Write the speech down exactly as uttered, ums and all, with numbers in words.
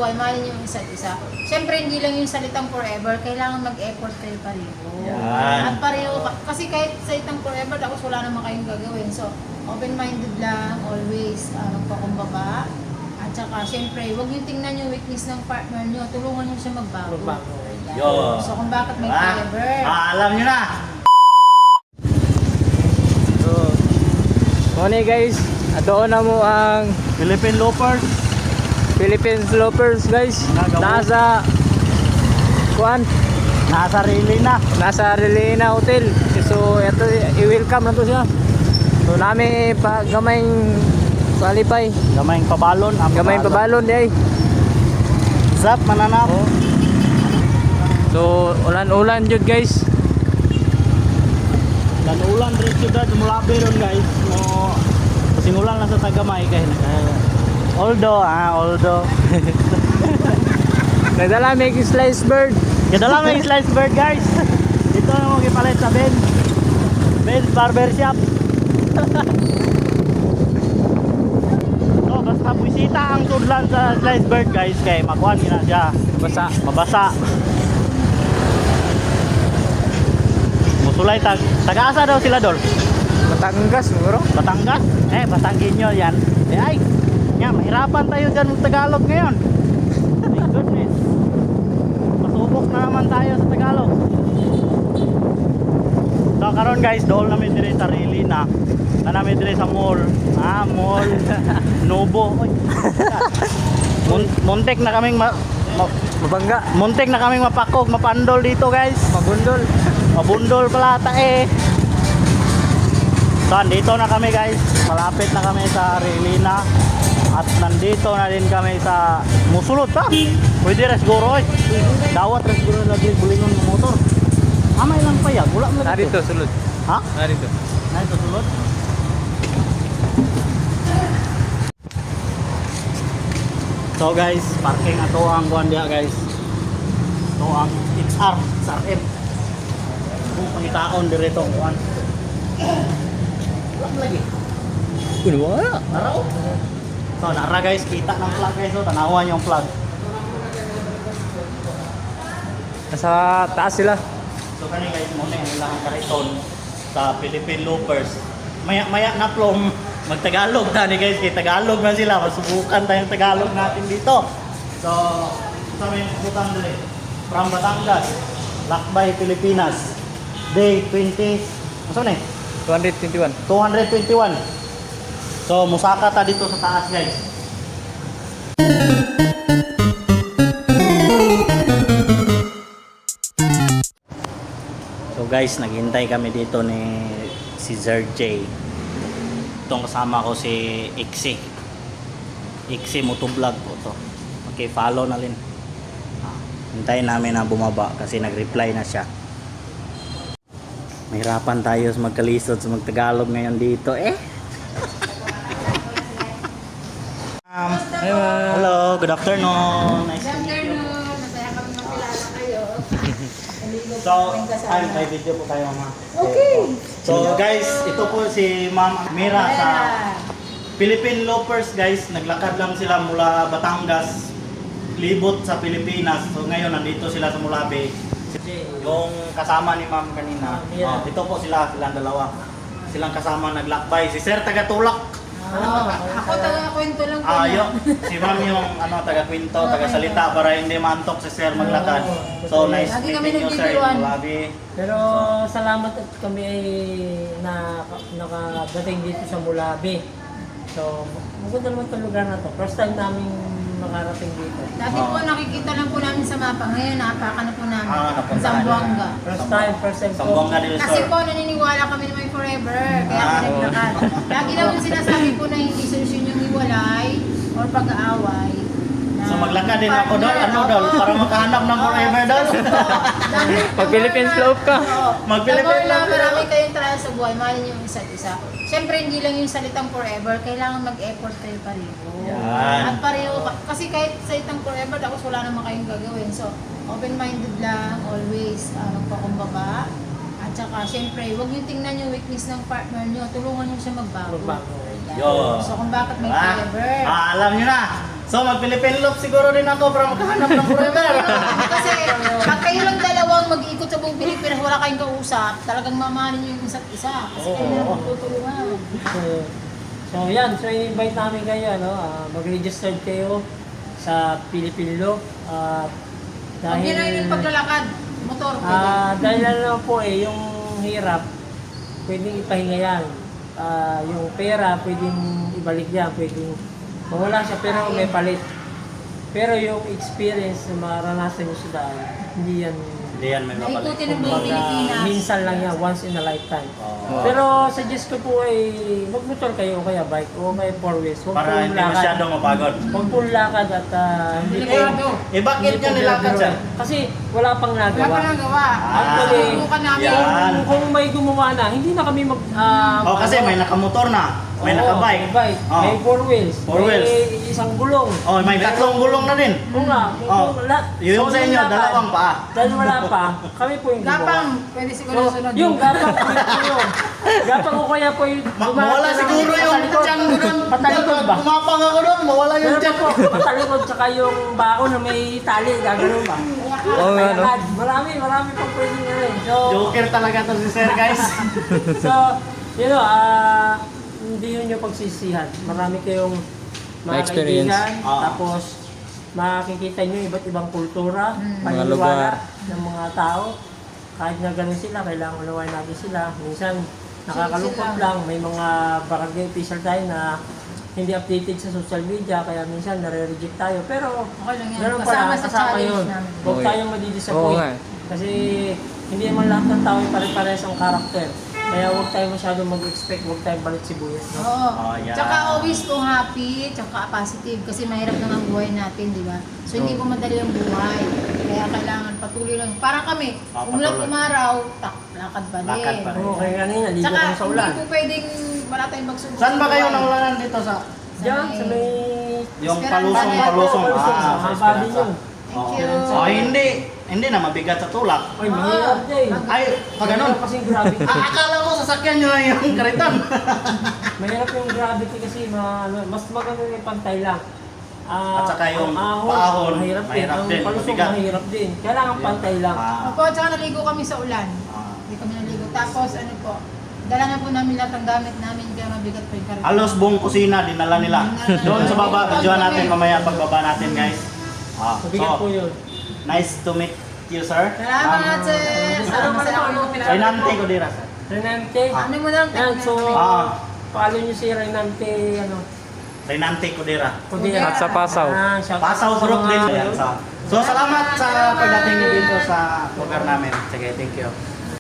buhay, mahalin niyo yung isa't isa. Siyempre, hindi lang yung salitang forever, kailangan mag-effort kayo pareho. Yan. At pareho, kasi kahit salitang forever, tapos wala naman kayong gagawin. So, open-minded lang, always, uh, magpakumbaba. At saka, siyempre, huwag niyo tingnan yung weakness ng partner niyo, tulungan niyo siya magbago. Yo. So, kung bakit may Ah, forever. ah, alam niyo na. So, muna guys, doon na mo ang Philippine Loafers. Philippine Loafers guys. Nagawa. Nasa kuan, Nasa rili na. nasa Relina Hotel. So, ito i-welcome na to siya. So, nami pa gamayng palipay, Gamayng pabalon. Ang gamayng pabalon di ay. Zap, mananap. Oh. So, ulan-ulan jud guys. Dan ulan rin siyudad mulabi ron guys. No, kasing ulan lang sa Tagamay kay Oldo, ah, Oldo. Nagdala may slice bird. Kadala may slice bird guys. Ito ang mga ipalit sa Ben. Ben Barbershop. So, basta bisita ang tudlan sa slice bird guys kay makuha na siya. Basa. Mabasa. Musulay tag taga-asa daw sila dol. Batangas siguro. Batangas? Eh, Batanggenyo yan. Eh, ay, yan, mahirapan tayo dyan ng Tagalog ngayon. My goodness. Pasubok na naman tayo sa Tagalog. So, karon guys, dool namin dire sa Rili na. Na namin dire sa mall. Ah, mall. Nobo. Oy. Mun- muntik na kaming ma- ma- Mabangga. muntik na kaming mapakog, mapandol dito guys. Mabundol. Mabundol pala ata eh. So, andito na kami guys. Malapit na kami sa Relina. At nandito na din kami sa Musulot pa. Pwede rin siguro eh. Dawat rin siguro lagi bulingon ng motor. Amay lang pa yan. Wala mo Narito sulod. Ha? Narito. Narito sulod. So guys, parking ato ang kuan dia guys. Ito ang X R, X R M. Kung pangitaon dirito ang kuan. Wala lagi. Kuno wala. Naraw. So nara guys, kita ng plug guys. So tanawan yung plug. Nasa taas sila. So kani guys, muna yung ilang kariton sa Philippine Loafers. Maya-maya na plong magtagalog tani guys, kay Tagalog na sila. Masubukan tayong Tagalog natin dito. So, ito may subukan dali. From Batangas, Lakbay, Pilipinas. Day twenty, ano na eh? two twenty-one. two twenty-one. So, musaka ta dito sa taas guys. So guys, naghintay kami dito ni si Sir J. Itong kasama ko si Ixi. Ixi Motovlog po to. Okay, follow na rin. Ah, hintayin namin na bumaba kasi nag-reply na siya. Mahirapan tayo sa magkalisod sa magtagalog ngayon dito eh. um, Hi, ma'am. hello, good afternoon. Nice to meet you. Afternoon, masaya kami makilala kayo. So, ay, may video po tayo ma. Okay. So guys, ito po si Ma'am Mira sa Philippine Loafers guys. Naglakad lang sila mula Batangas, libot sa Pilipinas. So ngayon nandito sila sa Mulabe. Yung kasama ni Ma'am kanina. Oh, ito po sila, silang dalawa. Silang kasama naglakbay. Si Sir taga-tulak. Oh, ako taga-kwento lang po Ah, niya. yung si Ma'am yung ano taga-kwento, taga-salita para hindi maantok si Sir maglakad. So nice Lagi kami meeting you Sir nagbibiruan. in Mulabe. Pero salamat at kami ay na, nakadating dito sa Mulabe. So, maganda naman itong lugar na to. First time namin makarating dito. Dati po nakikita lang po namin sa mapa. Ngayon napakan na po namin. Ah, napunta sa ka Zamboanga. First time, first time Sambonga del Kasi Sur. po naniniwala kami na may forever. Kaya Ah. kami naglakad. Lagi naman sinasabi po na hindi solusyon yung hiwalay or pag-aaway. So maglakad din ako doon, ano doon, para makahanap ng forever doon. Pag Philippine slope ka. Mag-Philippine na slope. marami kayong trial sa buhay, mahalin niyo yung isa't isa. Siyempre, hindi lang yung salitang forever, kailangan mag-effort kayo pareho. Yan. At pareho, kasi kahit salitang forever, tapos wala naman kayong gagawin. So, open-minded lang, always, uh, magpakumbaba. At saka, siyempre, huwag niyo tingnan yung weakness ng partner niyo, tulungan niyo siya magbago. Magbago. Yan. Yo. So, kung bakit may Ah, forever. ah, alam nyo na. So mag-Philippine Loop siguro din ako para makahanap ng forever. Kasi pag kayo lang dalawang mag-ikot sa buong Pilipinas, wala kayong kausap, talagang mamahalin nyo yung isa't isa. Kasi kayo na lang tutulungan. So, so yan, so i-invite namin kayo, ano, ah, mag-register kayo sa Philippine Loop. At Huwag nyo na yun yung paglalakad, motor. Ah, dahil ano po eh, yung hirap, pwedeng ipahinga yan. Ah, yung pera, pwedeng ibalik yan, pwedeng mawala siya pero may palit. Pero yung experience na maranasan nyo sa daan, hindi yan, Hindi yan may mapalit. Naikutin ng buong kumbaga, Pilipinas. minsan lang yan, once in a lifetime. Oo. Pero suggest ko po ay magmotor kayo o kaya bike o kaya four wheels. Huwag Para pong hindi lakad. masyadong mapagod. Huwag pong lakad at ah, hindi po. Delikado. Eh bakit hindi nyo po nilakad biro-biro. siya? Kasi wala pang Wala nagawa. pa nang gawa. Actually, Subukan namin. yan. Kung, kung may gumawa na, hindi na kami mag... ah, Oh, kasi ano, may nakamotor na, may oo, nakabike. may bike, Oh. may four wheels, Four may wheels. isang gulong. Oh, may tatlong gulong na din. Kung nga, kung Oh. wala. Yung sa inyo, lakad, dalawang paa. Dahil wala pa, kami po yung gumawa. Gapang, pwede siguro So, sunod. yung gapang po yung gapang ko kaya po yung Ma- dumaan mawala na- siguro yung patalikod. tiyan ko doon. Patalikod ba? Kumapang ako doon, mawala yung Meron tiyan po, ko. patalikod tsaka yung baon na may tali, gagano'n ba? Oo nga, no? Mayakad. Marami, marami pang pwedeng ano eh. So, Joker talaga to si Sir, guys. so, you know, ah, hindi yun yung pagsisihan. Marami kayong mga Na-experience. kaibigan, Oo. tapos makikita nyo iba't ibang kultura, Mm. Mga paniniwala lugar. ng mga tao. Kahit na ganun sila, kailangan unawain natin sila. Minsan, nakakalungkot Sila. lang. May mga barangay official tayo na hindi updated sa social media, kaya minsan nare-reject tayo. Pero, Okay lang yan. ganun Kasama pala, sa kasama challenge yun. namin. Huwag Okay. tayong Oo madidisappoint. nga. Kasi hindi naman lahat ng tao ay pare-pares ang karakter. Kaya huwag tayo masyadong mag-expect, huwag tayong balit sibuyas. No? Oo. Oh, yeah. Tsaka always po happy, tsaka positive. Kasi mahirap na ang buhay natin, di ba? So hindi po madali ang buhay. Kaya kailangan patuloy lang. Para kami, Ah, umulat patuloy. umaraw, tak, lakad pa din. Lakad pa rin. Oo, kaya kanina, ligo Tsaka kami sa ulan. hindi po pwedeng wala tayong magsubok. Saan ba kayo sa buhay. naulanan dito sa Diyan, sa may... yung Esperanza. palusong Esperanza. palusong? Palusong. Ah, sa Haba din Esperanza. yun. Thank you. Oh, hindi. Hindi na mabigat sa tulak. Ay, mahirap din. Ay, pag ganun. Mahirap kasing gravity. Ah, akala ko sasakyan nyo lang yung karitan. Mahirap yung gravity kasi ma, ano, mas maganda yung pantay lang. Ah, At saka yung ang paahon, mahirap din. mahirap Ang din, palusong mabigat. mahirap din. Kailangan pantay lang. Ah, Opo, tsaka naligo kami sa ulan. ah. Hindi kami naligo. Tapos ano po, dala na po namin lahat ng gamit namin, kaya mabigat po yung karito. Halos buong kusina dinala nila. Doon sa baba, videoan natin mamaya pagbaba natin, guys. Ah, Mabigat po so, yun. nice to meet you, sir. Salamat, sir! Salamat sa ako yung Renante ko dira, sir. Renante. Ano mo lang? Yan, so, Ah, follow nyo si Renante, ano, Renante ko dira. Kudera. At sa Pasaw. Ah, shout out Pasaw sa group mga- din. Ayan, sa- So, salamat sa pagdating niyo dito sa lugar namin. Sige, thank you.